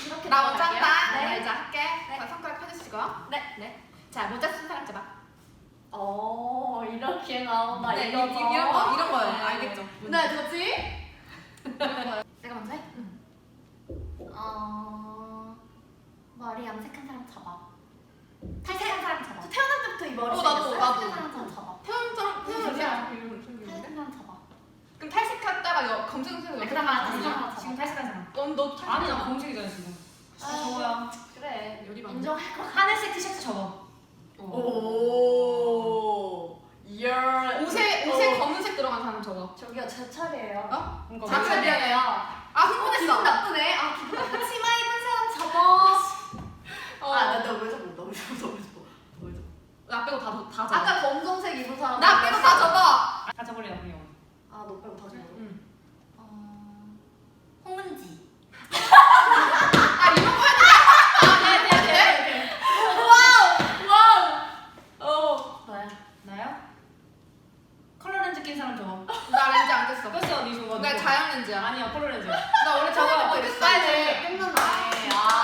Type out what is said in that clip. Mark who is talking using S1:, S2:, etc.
S1: 이렇게
S2: 나 먼저
S1: 들어갈게요.
S2: 한다.
S1: 네.
S2: 나 이제 할게.
S1: 네.
S2: 자, 손가락 펴주시고.
S1: 네.
S2: 네. 자, 모자 쓴 사람 잡아.
S1: 이렇게 나온다.
S2: 네,
S1: 이거죠.
S2: 이런 거예요.
S1: 네.
S2: 알겠죠?
S1: 네, 뭐지?
S2: 내가 먼저 해?
S1: 머리 염색한 사람 잡아. 탈색한 사람 잡아.
S2: 저
S1: 태어날 때부터 이 머리
S2: 나도.
S1: 탈색한 사람 잡아.
S2: 태연처럼
S1: 태연이야.
S2: 이런 생겼는데?
S1: 탈색한 사람 잡아.
S2: 그럼 탈색했다가 검정색으로
S1: 그다음 다시 사람
S3: 지금
S1: 잡아.
S3: 탈색한 사람.
S2: 너
S3: 아니 나 검색이잖아 지금.
S1: 저거야. 그래.
S2: 요리 방.
S1: 인정할 거.
S3: 하늘색 티셔츠 접어.
S1: 오. 열.
S2: 옷에 검은색 들어간 사람 저거.
S1: 저기요, 제 차례예요.
S2: 어?
S3: 그러니까
S2: 자,
S3: 왜-
S1: 차례예요.
S2: 아, 흥분했어.
S1: 기분 나쁘네. 기분 나쁘. 치마 입은 사람 잡아.
S2: 어.
S1: 너왜 저거? 너왜 저거?
S2: 나 빼고 다 접어.
S1: 아까 검정색 입은 사람.
S2: 나 빼고 다 접어.
S3: 아 저번에 우리 형.
S1: 너 빼고 다 접어.
S3: 응.
S1: 홍은지.
S2: 이런 거 해야 돼.
S3: 네네네.
S1: 너야.
S3: 나요? 컬러 렌즈 낀 사람 저거.
S2: 나 렌즈 안 꼈어.
S3: 꼈어 니 저거.
S2: 나 자양 렌즈야.
S3: 아니야 컬러 렌즈.
S2: 나 원래 저거
S1: 빨리 끝났네.